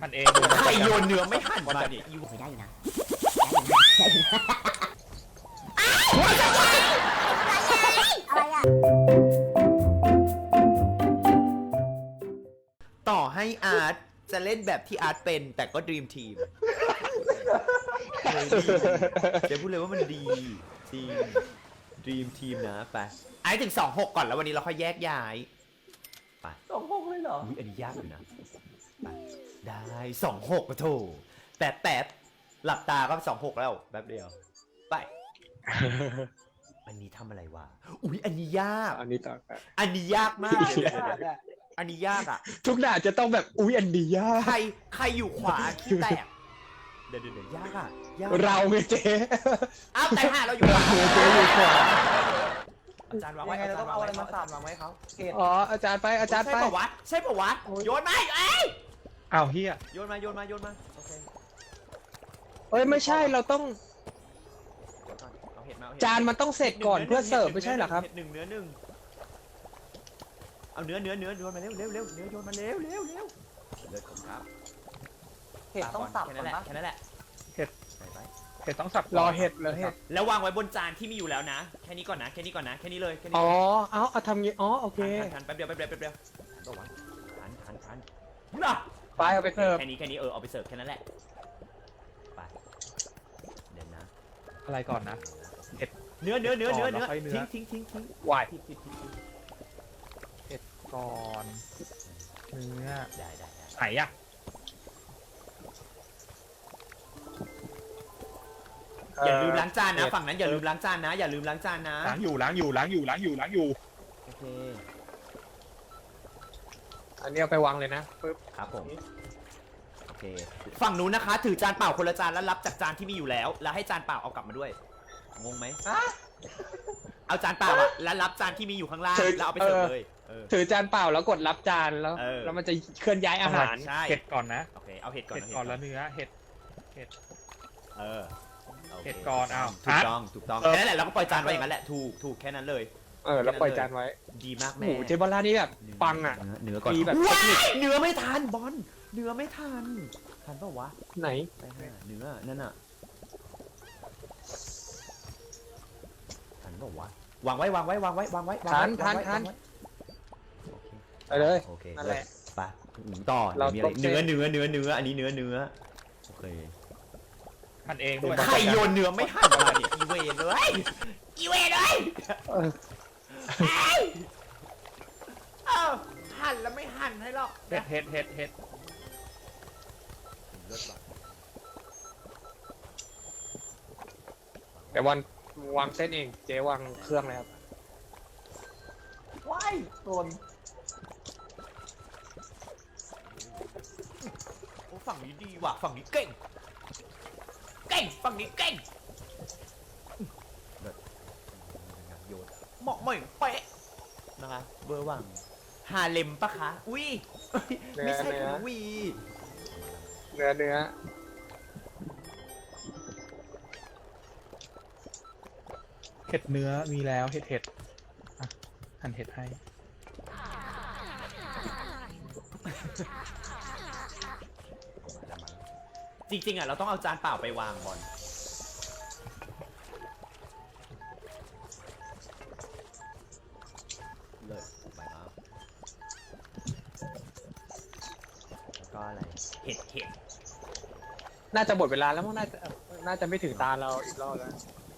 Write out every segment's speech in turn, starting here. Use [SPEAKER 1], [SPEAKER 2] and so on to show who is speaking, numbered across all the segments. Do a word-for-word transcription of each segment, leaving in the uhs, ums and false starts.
[SPEAKER 1] หั่นเอง
[SPEAKER 2] ใครโยนเนื้อไม่หั่นมาเนี่ยอยู่
[SPEAKER 3] ได้อยู่นะอะไรอ่ะ
[SPEAKER 2] ต่อให้อาร์ตจะเล่นแบบที่อาร์ตเป็นแต่ก็ดีมทีมจะพูดเลยว่ามันดีจริงดีมทีมนะไปไอ้ถึงสองหกก่อนแล้ววันนี้เราค่อยแยกย้ายไป
[SPEAKER 4] สองหกเลยเหรอ
[SPEAKER 2] อุ้ยอันนี้ยากอยู่นะไปได้สองหกมาโถแต่แต่หลับตาก็สองหกแล้วแป๊บเดียวไปอันนี้ทำอะไรวะอุ้ยอันนี้ยาก
[SPEAKER 4] อันนี้ต่อไป
[SPEAKER 2] อันนี้ยากมากอันนี้ยากอ่ะ
[SPEAKER 4] ทุกด่านจะต้องแบบอุ๊ยอันดียาก
[SPEAKER 2] ใครใครอยู่ขวาขี้แตกเดี๋ยวเดี๋ยวยากอ่ะยาก
[SPEAKER 4] เราไงเจ๊
[SPEAKER 2] อ้าวแต่ห่าเราอยู่ขวา
[SPEAKER 4] เจ๊อยู่ขวา
[SPEAKER 2] อาจารย์วางไว้อาจารย์วางไว้เขาวางไว้เขา
[SPEAKER 4] อ๋ออาจารย์ไปอาจารย์ไป
[SPEAKER 2] ใช่ปะวะใช่ปะวะโยนมาเอ้ย
[SPEAKER 1] อ้าวเฮีย
[SPEAKER 2] โยนมาโยนมาโยนมาโอเค
[SPEAKER 4] เอ้ยไม่ใช่เราต้อง
[SPEAKER 2] เอาเห็ดมา
[SPEAKER 4] จานมันต้องเสร็จก่อนเพื่อเสิร์ฟไม่ใช่เหรอครับ
[SPEAKER 2] หนึ่งเนื้อหนึ่งเอาเนื้อเนื้อเนื้อโยนมาเร็วเร็วเร็วเนื้อโยนมาเร็วเร็วเร็วเลือดของครับ
[SPEAKER 5] เห็ดต้องสับ
[SPEAKER 2] แค่นั้นแหละแค่นั้นแหละ
[SPEAKER 1] เห็ด
[SPEAKER 2] ใส่ไป
[SPEAKER 1] เห็ดต้องสับ
[SPEAKER 4] รอเห็ดเลยเห็ด
[SPEAKER 2] แล้ววางไว้บนจานที่มีอยู่แล้วนะแค่นี้ก่อนนะแค่นี้ก่อนนะแค่นี้เลยแค่นี้
[SPEAKER 4] อ๋อเอาเอาทำงี้อ๋อโอเค
[SPEAKER 2] ทันแป๊บเดียวแป๊บเดียวแป๊บเดียวทันทันทันน่ะ
[SPEAKER 4] ไปเอาไปเสิร์ฟ
[SPEAKER 2] แค่นี้แค่นี้เออเอาไปเสิร์ฟแค่นั้นแหละไปเดี๋ยวนะ
[SPEAKER 1] อะไรก่อนนะเห็ด
[SPEAKER 2] เนื้อเนื้อเนื้อเนื้อเนื้อทิ้งทิ้งทิ้งทิ้ง
[SPEAKER 4] วาย
[SPEAKER 2] ทิ้งทิ้งทิ้ง
[SPEAKER 1] เห็ดก่อนเนื้อ
[SPEAKER 2] ได้ได้
[SPEAKER 1] ไหนอะ
[SPEAKER 2] อย่าลืมล้างจานนะฝั่งนั้นอย่าลืมล้างจานนะอย่าลืมล้างจานนะ
[SPEAKER 1] ล้างอยู่ล้างอยู่ล้างอยู่ล้างอยู่ล้างอยู่
[SPEAKER 2] โอเค
[SPEAKER 4] อันนี้เอาไปวางเลยนะปึ๊บ
[SPEAKER 2] ครับผมโอเคฝั่งนู้นนะคะถือจานเปล่าคนละจานแล้วรับจากจานที่มีอยู่แล้วแล้วให้จานเปล่าเอากลับมาด้วยงงไหมเอาจานเปล่าอะแล้วรับจานที่มีอยู่ข้างล่างแล้วเอาไปเสิร์ฟเลย
[SPEAKER 4] ถือจานเปล่าแล้วกดรับจานแล้วแล้วมันจะเคลื่อนย้ายอาหาร
[SPEAKER 2] ใช่
[SPEAKER 1] เห็ดก่อนนะ
[SPEAKER 2] โอเคเอาเห็ดก่อน
[SPEAKER 1] เห็ดก่อนแล้วเนื้อเห็ดเห็ด
[SPEAKER 2] เออ
[SPEAKER 1] เห็ดก่อนอ้าว
[SPEAKER 2] ถูกต้องถูกต้องแค่นั้นแหละเราก็ปล่อยจานไว้อย่างนั้นแหละถูกถูกแค่นั้นเลย
[SPEAKER 4] เออแล้วปล่อยจานไว้
[SPEAKER 2] ดีมากแม่
[SPEAKER 4] โอ้เจบอลล่านี่แบบปังอ่ะ
[SPEAKER 2] เนื้อก่อน
[SPEAKER 4] แบบ
[SPEAKER 2] เนื้อไม่ทันบอลเนื้อไม่ทันทันปะวะ
[SPEAKER 4] ไหน
[SPEAKER 2] ไปหาเนื้อนั่นน่ะทันปะวะวางไว้วางไว้วางไว้วางไว้
[SPEAKER 4] ทันทันทันไปเลย
[SPEAKER 2] โอเคนั่นแหละไปต่อมีอะไรเนื้อเนื้อเนื้อเนื้ออันนี้เนื้อเนื้อโอเค
[SPEAKER 1] หั่นเองด้วย
[SPEAKER 2] ใครโยนเนื้อไม่หั่นมาเนี่ยอีเวเลยอีเวเลยเอ้าหั่นแล้วไม่หั่นให้หรอก
[SPEAKER 1] เห็ดเห็ดเห็ดเห็ด
[SPEAKER 4] แต่วันวางเส้นเองเจ๊วางเครื่องเลยครับ
[SPEAKER 5] ว้ายโดน
[SPEAKER 2] โอ้ฝั่งนี้ดีว่ะฝั่งนี้เก่งเก่งฝั่งนี้เก่งโยนเหมาะเหม่งเป๊ะนะคะเบอร์ว่างฮาเลมปะคะอุ้ยไม่ใช่คุณวี
[SPEAKER 4] เนื้อเนื้อ
[SPEAKER 1] เห็ดเนื้อมีแล้วเห็ดเห็ดหั่นเห็ดให้
[SPEAKER 2] จริงๆอ่ะเราต้องเอาจานเปล่าไปวางบอลเลยไปครับแล้วก็อะไรเห็ดเห็ด
[SPEAKER 4] น่าจะหมดเวลาแล้วมั้งน่าจะน่าจะไม่ถึงตาเราอีกรอบแล้ว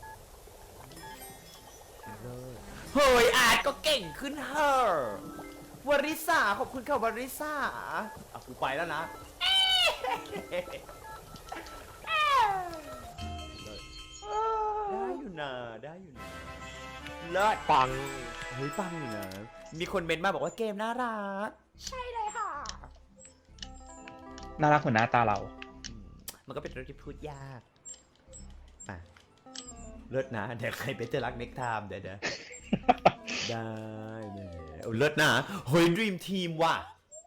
[SPEAKER 2] เฮ้ยอาร์ตก็เก่งขึ้นเฮ้อวริษาขอบคุณค่ะวริษาอ่ะกูไปแล้วนะได้อยู่นะได้อยู่นะเลิศ
[SPEAKER 4] ปัง
[SPEAKER 2] เฮ้ยปังอยู่นะมีคนเมนต์มาบอกว่าเกมน่ารักใช่เลยค่ะ
[SPEAKER 1] น่ารักเหมือนหน้าตาเรา
[SPEAKER 2] มันก็เป็นเรื่องที่พูดยากอ่ะเลิศนะเดี๋ยวใครเป็นจะรักเน็กไทม์เดี๋ยวเดี๋ยวได้เลยเลิศนะเฮ้ยดรีมทีมว่ะ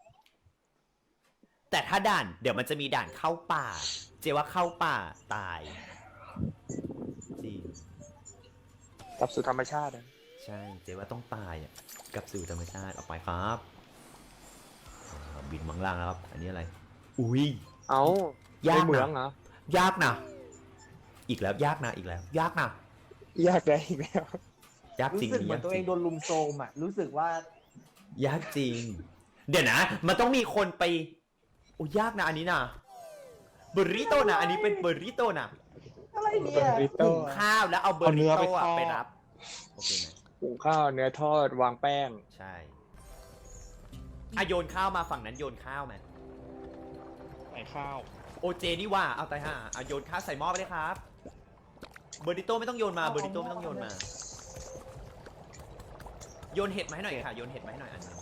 [SPEAKER 2] แต่ถ้าด่านเดี๋ยวมันจะมีด่านเข้าป่าเจว่าเข้าป่าตายจริง
[SPEAKER 4] กลับสู่ธรรมชาติ
[SPEAKER 2] ใช่เจว่าต้องตายอ่ะกลับสู่ธรรมชาติออกไปครับบินมังล่างแล้วครับอันนี้อะไรอุ้ย
[SPEAKER 4] เอ้าย
[SPEAKER 2] าก
[SPEAKER 4] ในเหมือ
[SPEAKER 2] นะ
[SPEAKER 4] งเหรอย
[SPEAKER 2] ากนะอีกแล้วยากนะอีกแล้ว ยากนะ
[SPEAKER 4] ยากได้อีกแล้ว
[SPEAKER 2] ยากจริ
[SPEAKER 5] รู้
[SPEAKER 2] ง
[SPEAKER 5] สึกเหมือน
[SPEAKER 2] ยาก
[SPEAKER 5] ตัว
[SPEAKER 2] จ
[SPEAKER 5] เอ
[SPEAKER 2] ริ
[SPEAKER 5] ง
[SPEAKER 2] ง
[SPEAKER 5] โดนลุมโซมอ่ะ รู้สึกว่าย
[SPEAKER 2] ากจริง เดี๋ยวนะ มันต้องมีคนไปโอ้ยากนะอันนี้นะเบอร์ริโตนะอันนี้เป็นเบอร์ริโตนะ
[SPEAKER 5] อะไรเนี่ย
[SPEAKER 4] ริโต้
[SPEAKER 2] หุงข้าวแล้วเอาเบอร์ริโตอะไปรับโอเคไหม
[SPEAKER 4] หุงข้าวเนื้อทอดวางแป้ง
[SPEAKER 2] ใช่อะโยนข้าวมาฝั่งนั้นโยนข้าวไหม
[SPEAKER 1] ใส่ข้าว
[SPEAKER 2] โอเจนี่ว่าเอาตายห่าอะโยนข้าวใส่หม้อไปเลยครับเบอร์ริโตไม่ต้องโยนมาเบอร์ริโตไม่ต้องโยนมาโยนเห็ดมาให้หน่อยค่ะโยนเห็ดมาให้หน่อยอันหนึง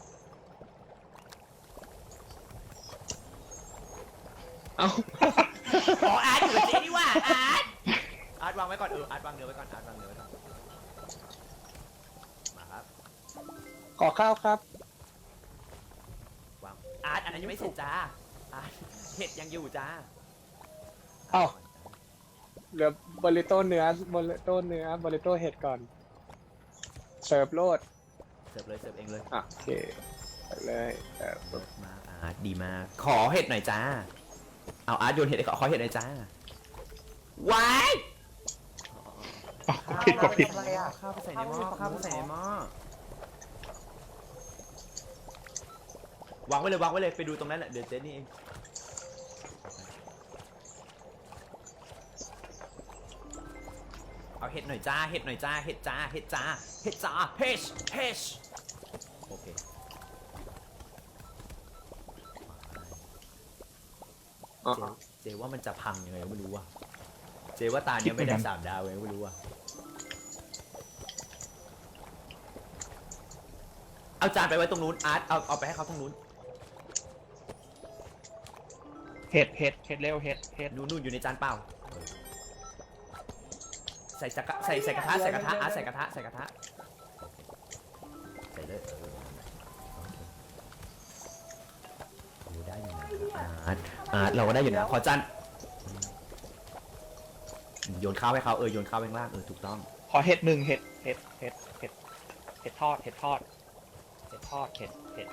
[SPEAKER 4] เอ้า
[SPEAKER 2] อ๋ออาร์ตอยู่กับเจนี่ว่าอาร์ตอาร์ตวางไว้ก่อนเอออาร์ตวางเนื้อไว้ก่อนอาร์ตวางเนื้อไว้ก่อนมาครับ
[SPEAKER 4] ขอข้าวครับ
[SPEAKER 2] วางอาร์ตอันนั้นยังไม่เสร็จจ้าอาร์ตเห็ดยังอยู่จ้า
[SPEAKER 4] เอ้า เหลือบริโต้เนื้อบริโต้เนื้อบริโต้เห็ดก่อน เสิร์ฟโลด
[SPEAKER 2] เสิร์ฟเลยเสิร์ฟเองเลย
[SPEAKER 4] อ่ะโอเคไปเลยเสิร์ฟ
[SPEAKER 2] เบิร์มาอาร์ตดีมากขอเห็ดหน่อยจ้าเอาอาร์ตโยนเห็ดให้ขอขอเห็ดหน่อยจ้าว้าย
[SPEAKER 1] อ้าวผิดก็ผิด
[SPEAKER 5] อะไรอ่ะ
[SPEAKER 2] ข้าวไปใส่ในหม้อข้าวไปใส่ในหม้อวางไว้เลยวางไว้เลยไปดูตรงนั้นแหละเดี๋ยวเจนี่เองเอาเห็ดหน่อยจ้าเห็ดหน่อยจ้าเห็ดจ้าเห็ดจ้าเห็ดจ้าเฮชเฮชโอเค
[SPEAKER 4] อ๋อ
[SPEAKER 2] เจเจว่ามันจะพังยังไงก็ไม่รู้ว่ะเจว่าตาเนี้ยไม่ได้สามดาวเลยไม่รู้ว่ะเอาจานไปไว้ตรงนู้นอาร์ตเอาเอาไปให้เขาตรงนู้น
[SPEAKER 1] เห็ดเห็ดเห็ดเร็วเห็ดเห็ด
[SPEAKER 2] นู่นนู่นอยู่ในจานเปล่าใส่จักระใส่ใส่กระทะใส่กระทะอาร์ตใส่กระทะใส่กระทะใส่เลยเออโอ้ได้อยู่นะอาร์ตอาร์ตเราก็ได้อยู่นะขอจานโยนข้าวให้เขาเออโยนข้าวไปข้างล่างเออถูกต้อง
[SPEAKER 1] ขอเห็ดหนึ่งเห็ดเห็ดเห็ดเห็ดเห็ดทอดเห็ดทอดเห็ดทอดเห็ดเห็ด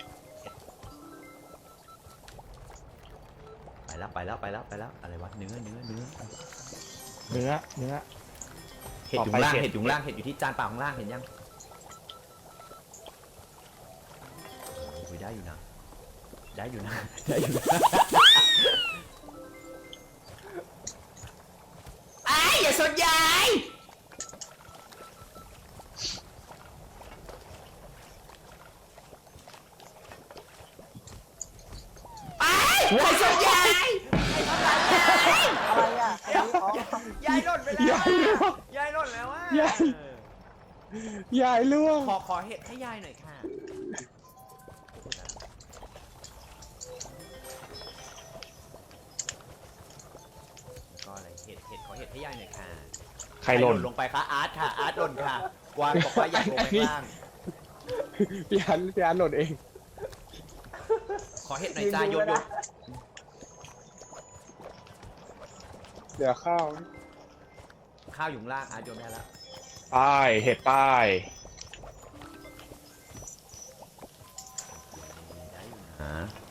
[SPEAKER 2] ไปแล้วไปแล้วไปแล้วไปแล้วอะไรวะเนื้อเนื้อเนื้อ
[SPEAKER 1] เนื้อเนื้อ
[SPEAKER 2] เห็ดอยู่ข้างล่าง
[SPEAKER 1] ต่อไปเห็ด
[SPEAKER 2] เห็ดอยู่ข้างล่างเห็ดอยู่ที่จานเปล่าข้างล่างเห็นยังโอ้ยได้อยู่นะได้อยู่นะได้อยู่นะไอ้อย่าสนใจไอ้อย่าสนใจ
[SPEAKER 5] อะไรอ่ะอันนี้อ๋อย
[SPEAKER 2] ายหล่นไปแล้วอะยายหล่นแล้วอ่ะ
[SPEAKER 4] ยาย ยายล่วง
[SPEAKER 2] ขอขอเห็ดให้ยายหน่อยค่ะก็อะไรเห็ดเห็ดขอเห็ดให้ยายหน่อยค่ะ
[SPEAKER 1] ใครหล่น
[SPEAKER 2] ลงไปคะอาร์ตค่ะอาร์ตหล่นค่ะวานบอกว่าอยากลงไปข้างล่าง
[SPEAKER 4] พี่อันพี่อันหล่นเอง
[SPEAKER 2] ขอเห็ดหน่อยจ้าโยนโยน
[SPEAKER 4] เดี๋ยวข้าว
[SPEAKER 2] ข้าวอยู่ข้างล่างอาร์ตโยนได้แล้ว
[SPEAKER 1] ป้ายเห็ดป้าย
[SPEAKER 2] ได้อยู่นะ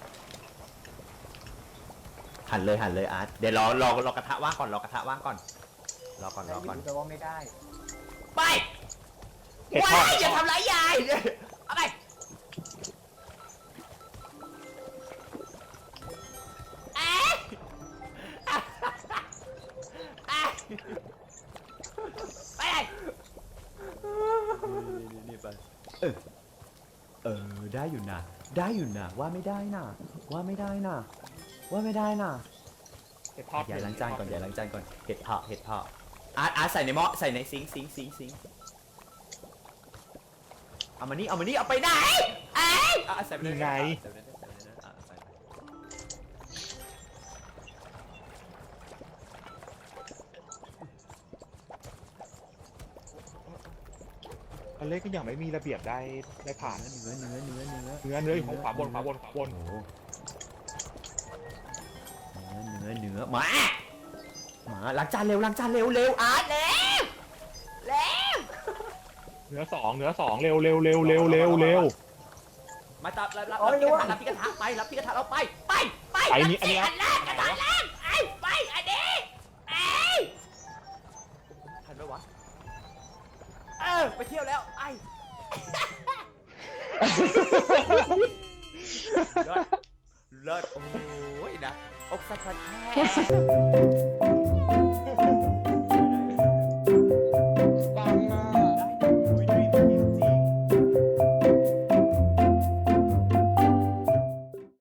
[SPEAKER 2] หันเลยหันเลยอาร์ตเดี๋ยวรอรอรอกระทะว่างก่อนรอกระทะว่างก่อนรอก่อนรอก่อน
[SPEAKER 5] แต่ว่าไม่ได้
[SPEAKER 2] ไป
[SPEAKER 1] เห็ดทอ
[SPEAKER 2] ว้า
[SPEAKER 1] ด
[SPEAKER 2] ยอย่าทำร้ายยายเอาไปเอ๊ะเอ๊ะไปเลยนี่นี่ไปเออเออได้อยู่นะได้อยู่นะว่าไม่ได้นะว่าไม่ได้นะว่าไม่ได้นะ
[SPEAKER 1] เห็ดทอด
[SPEAKER 2] อย่าล้างจานก่อนอย่าล้างจานก่อนเห็ดเผาะเห็ดเผาะอาร์ตอาร์ตใส่ในหม้อใส่ในซิงค์ซิงค์ซิงค์ซิงค์เอามานี่เอามานี่เอาไปไหนเอ้ยอ่ะใส่ไปเลย
[SPEAKER 1] ยังไง
[SPEAKER 2] ใส่ไปเลยใส่ไปเลยอ่ะใส่ไป
[SPEAKER 1] อันเล็กก็ยังไม่มีระเบียบได้ได้ผ่าน
[SPEAKER 2] เนื้อเนื้อเนื้อเนื้อ
[SPEAKER 1] เนื้อเนื้ออยู่ของขวาบนขวาบนขวาบน
[SPEAKER 2] โอ้โหเนื้อเนื้อเนื้อหมาหมาล้างจานเร็วล้างจานเร็วเร็วอาร์ตเร็วเร็ว
[SPEAKER 1] เนื้อสองเนื้อสองเร็วเร็วเร็วเร็วเร็วเร็ว
[SPEAKER 2] มาจับรับรับรับที่กระทะรับที่กระทะไปรับที่กระทะเราไปไปไป
[SPEAKER 1] ไอ้นี่อันนี้
[SPEAKER 2] อันแรกอันแรกไอ้ไปอันนี้ไอ้ทันไหมวะเออไปเที่ยวแล้วไอ้เลิศเลิศโอ้ยนะอกสั่นแท้